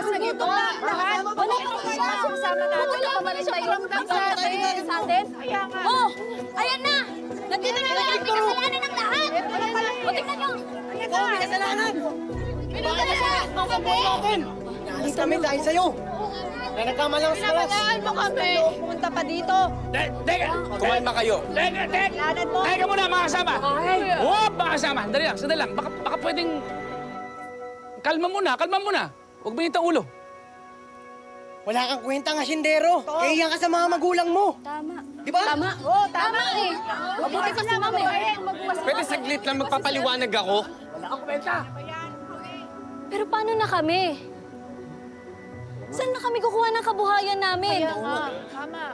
Sige po, lahat. Wala kang kasama natin. Pamalit tayo sa atin. Oh, ayan na. Nandito na lang ang kasalanan ng lahat. O, tingnan nyo. Oo, may kasalanan! Pinunta na siya. Alis kami dahil sa'yo! Na nagkamalang sa talas! Pinabayaan mo kami. Pumunta pa dito. Teka! Kumalma kayo. Lanan mo. Teka muna, mga kasama! Wop, mga kasama! Sandali lang. Baka pwedeng... Kalma muna. Huwag mainit ang ulo. Wala kang kwentang asyendero! Kaya ka sa mga magulang mo! Tama. Di ba? Tama. Oo, tama eh. Mabuti ka sa mami. Pwede saglit lang magpapaliwanag ako? Pero paano na kami? Saan na kami kukuha ng kabuhayan namin? Tama.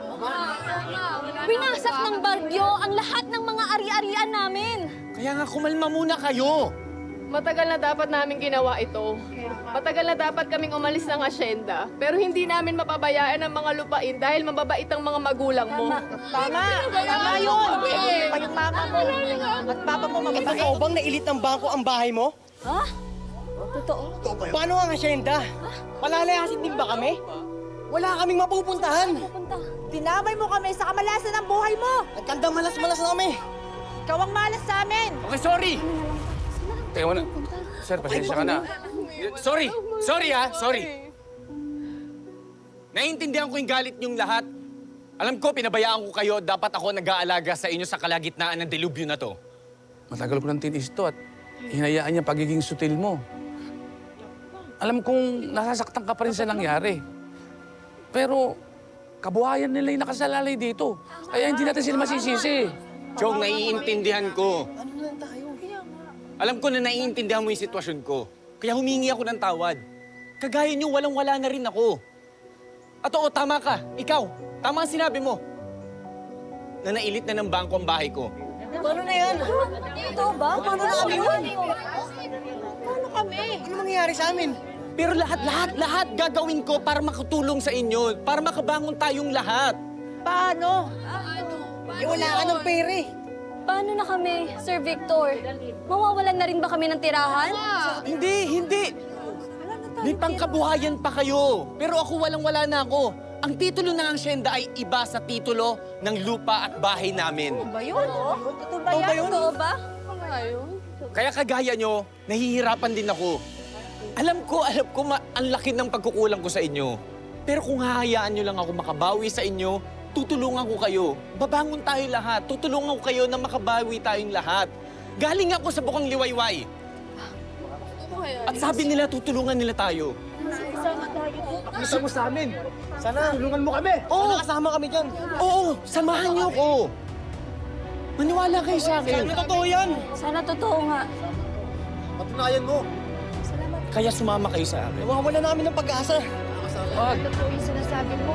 Binasak ng bagyo ang lahat ng mga ari-arian namin. Kaya nga kumalma muna kayo. Matagal na dapat namin ginawa ito. Matagal na dapat kaming umalis ng asyenda. Pero hindi namin mapabayaan ang mga lupain dahil mababait ang mga magulang mo. Tama. Tama yun. Pa yung mama mo. At papa mo mabait. Ikaw bang nailit ng bangko ang bahay mo? Ha? Totoo? Paano ang asyenda? Palalayasin din ba kami? Wala kaming mapupuntahan! Punta. Dinamay mo kami sa kamalasan ng buhay mo. Nagkandang malas-malas na kami! Ikaw ang malas sa amin. Okay, sorry. Teka muna. Sir, pasensya ka na. Sorry. Sorry. Naiintindihan ko yung galit niyong lahat. Alam ko, pinabayaan ko kayo. Dapat ako nag-aalaga sa inyo sa kalagitnaan ng delubyo na to. Matagal ko nang tinis to at hinayaan niya pagiging sutil mo. Alam kong nasasaktan ka pa rin sa nangyari. Pero kabuhayan nila yung nakasalalay dito. Kaya hindi natin sila masisisi. Chong, naiintindihan ko. Ano na lang tayo? Alam ko na naiintindihan mo yung sitwasyon ko. Kaya humingi ako ng tawad. Kagaya niyo, walang-wala na rin ako. At oo, tama ka. Ikaw, tama ang sinabi mo. Na nailit na ng bangko ang bahay ko. Paano na yan? Totoo ba? Paano na kami yun? Paano kami? Ano mangyayari sa amin? Pero lahat gagawin ko para makatulong sa inyo. Para makabangon tayong lahat. Paano? Wala ka ng pere! Paano na kami, Sir Victor? Mawawalan na rin ba kami ng tirahan? Hindi. May pangkabuhayan pa kayo. Pero ako walang-wala na ako. Ang titulo ng asyenda ay iba sa titulo ng lupa at bahay namin. Ba yun? Totoo ba yan? Totoo ba? Kaya kagaya nyo, nahihirapan din ako. Alam ko, ang laki ng pagkukulang ko sa inyo. Pero kung hahayaan nyo lang ako makabawi sa inyo, tutulungan ko kayo. Babangon tayo lahat. Tutulungan ko kayo na makabawi tayong lahat. Galing ako sa bukang liwayway. At sabi nila, tutulungan nila tayo. Gusto mo sa amin? Sana tulungan mo kami! Oo. Sana kasama kami dyan! Oo, samahan niyo ko. Maniwala kayo sa akin. Ano totoo yan? Sana totoo nga. Patunayan mo! Kaya sumama kayo sa akin. Nawawala na kami ng pag-asa! Totoo yung sinasabi mo.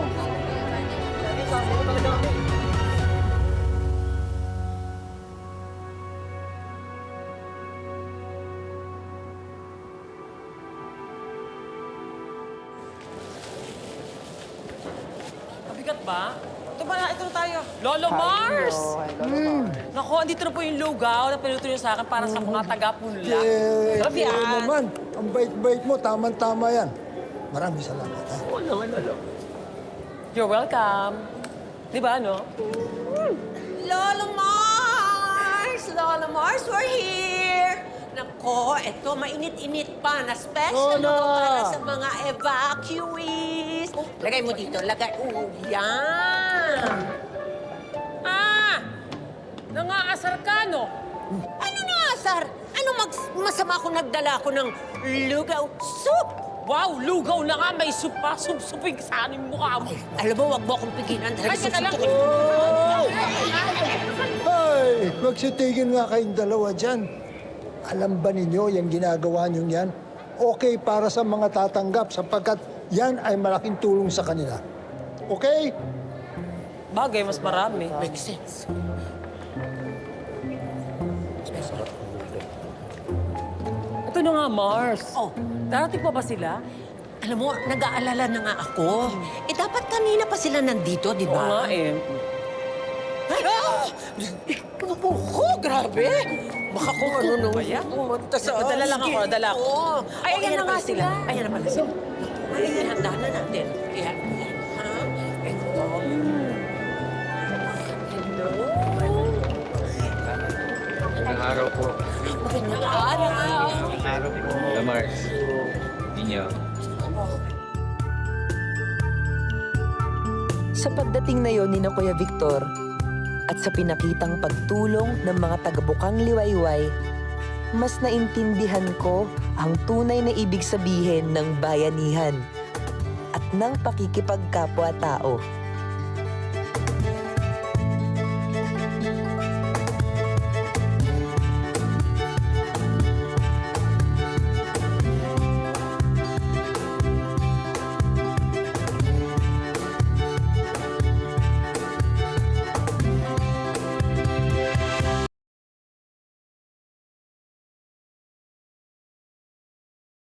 Mabigat ba? Ito ba na? Ito na tayo. Lolo Mars! Naku, andito na po yung lugaw na pinuto niyo sa akin para sa mga taga-punla. Sarap yan. Oo naman. Ang bait-bait mo, tama-tama yan. Maraming salamat, ha? You're welcome. Di ba, no? Lolo Mars! Lolo Mars, we're here! Nako, ito, mainit-init pa na special Lola! para sa mga evacuees. Lagay mo dito, lagay. Yan! Nangaasar ka, no? Ano na, Sar? Ano masama kung nagdala ko ng lugaw soup? Wow, lugaw na nga. May soup pa. Sup-supig sa aning mukha mo. Alam mo, wag mo akong pigilan. Ay, teka lang. Ay, magsitigil nga kayong dalawa dyan. Alam ba ninyo yung ginagawa nyo yan? Okay para sa mga tatanggap sapagkat yan ay malaking tulong sa kanila. Okay? Bagay, mas marami. Makes sense. Ito na nga, Mars. Oh. Darating pa ba sila? Alam mo, nag-aalala na nga ako. Eh, dapat kanina pa sila nandito, di Oo nga ba? eh. Ay, oh, grabe! Baka kung ano nung pumunta sa... Nadala lang ako, nadala ako. Oo. Ay, ayan na nga sila. Ayan na pala sila. ihanda na natin. Yan, yan, ha? Ito. Hello. Magandang araw po. Magandang araw. Lamar. Ninyo. Sa pagdating na yon ni na Kuya Victor at sa pinakitang pagtulong ng mga taga-Bukang Liwayway, mas naintindihan ko ang tunay na ibig sabihin ng bayanihan at ng pakikipagkapwa-tao.